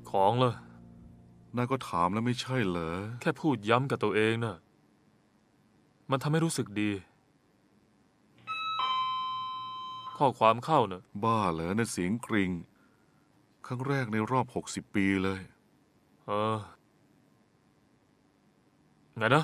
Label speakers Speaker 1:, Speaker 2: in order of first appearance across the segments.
Speaker 1: ของเลย
Speaker 2: นายก็ถามแล้วไม่ใช่เหรอ
Speaker 1: แค่พูดย้ำกับตัวเองน่ะมันทำให้รู้สึกดีข้อความเข้าน่ะ
Speaker 2: บ้าเหรอนั่นเสียงกริ่งครั้งแรกในรอบ60 ปีเลย
Speaker 1: ไงนะ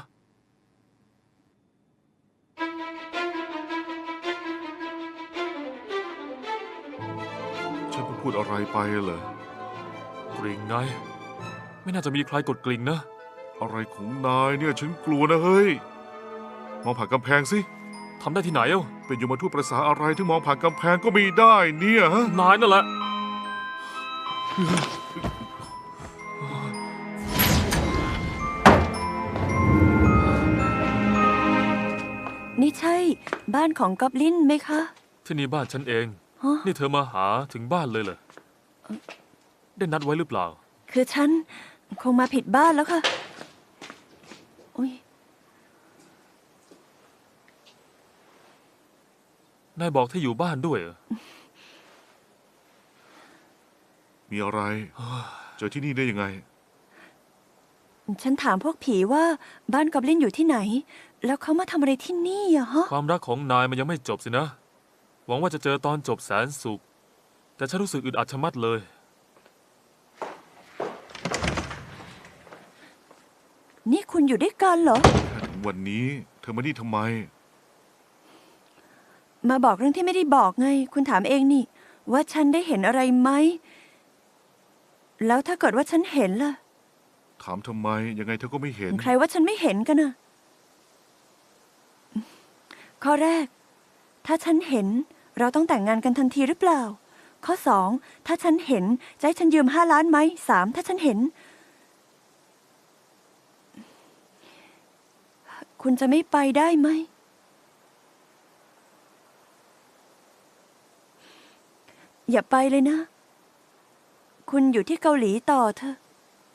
Speaker 2: ฉันเพิ่งพูดอะไรไปเหรอก
Speaker 1: ริ่งไงไม่น่าจะมีใครกดกริ่งนะ
Speaker 2: อะไรของนายเนี่ยฉันกลัวนะเฮ้ยมองผ่านกำแพงสิ
Speaker 1: ทำได้ที่ไหนเอ้า
Speaker 2: เป็นยมทูตประสาอะไรที่มองผ่านกำแพงก็ไม่ได้เนี่ยฮะ
Speaker 1: นายนั่นแหละ
Speaker 3: นี่ใช่บ้านของกอบลินไหมคะ
Speaker 1: ที่นี่บ้านฉันเอง
Speaker 3: ฮะ
Speaker 1: นี่เธอมาหาถึงบ้านเลยเหรอได้นัดไว้หรือเปล่า
Speaker 3: คือฉันคงมาผิดบ้านแล้วค่ะอุ๊ย
Speaker 1: นายบอกที่อยู่บ้านด้วยเหรอ
Speaker 2: มีอะไรเจอที่นี่ได้ยังไง
Speaker 3: ฉันถามพวกผีว่าบ้านกอบลินอยู่ที่ไหน แล้วเขามาทำอะไรที่นี่อะฮะ
Speaker 1: ความรักของนายมันยังไม่จบสินะหวังว่าจะเจอตอนจบแสนสุขแต่ฉันรู้สึกอึดอัดชะมัดเลย
Speaker 3: นี่คุณอยู่ด้วยกันเหรอ
Speaker 2: ถึงวันนี้เธอมานี่ทำไม
Speaker 3: มาบอกเรื่องที่ไม่ได้บอกไง คุณถามเองนี่ ว่าฉันได้เห็นอะไรไหมแล้วถ้าเกิดว่าฉันเห็นล่ะ
Speaker 2: ถามทำไมยังไงเธอก็ไม่เห็น
Speaker 3: ใครว่าฉันไม่เห็นกันนะข้อแรก ถ้าฉันเห็นเราต้องแต่งงานกันทันทีหรือเปล่า ข้อ2ถ้าฉันเห็นจะให้ฉันยืม5 ล้านไหม3ถ้าฉันเห็น คุณจะไม่ไปได้ไหมอย่าไปเลยนะ คุณอยู่ที่เกาหลีต่อเถอะ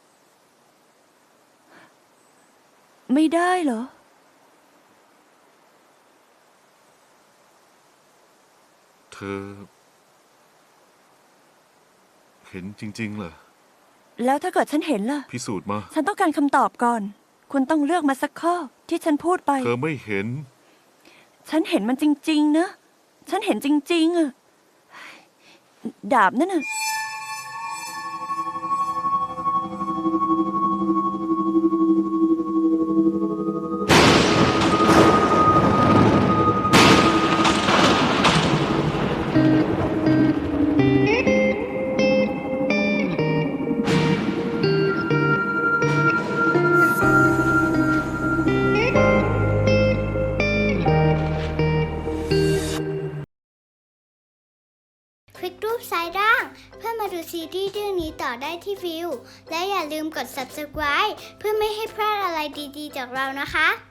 Speaker 3: ไม่ได้เหรอ
Speaker 2: เธอเห็นจริงๆเหรอ
Speaker 3: แล้วถ้าเกิดฉันเห็นล่ะ
Speaker 2: พิสูจน์มา
Speaker 3: ฉันต้องการคำตอบก่อนคุณต้องเลือกมาสักข้อที่ฉันพูดไป
Speaker 2: เธอไม่เห็น
Speaker 3: ฉันเห็นมันจริงๆนะฉันเห็นจริงๆอะดาบนั่นน่ะ
Speaker 4: คลิกรูปซ้ายล่างเพื่อมาดูซีรีส์เรื่องนี้ต่อได้ที่วิวและอย่าลืมกด subscribe เพื่อไม่ให้พลาดอะไรดีๆจากเรานะคะ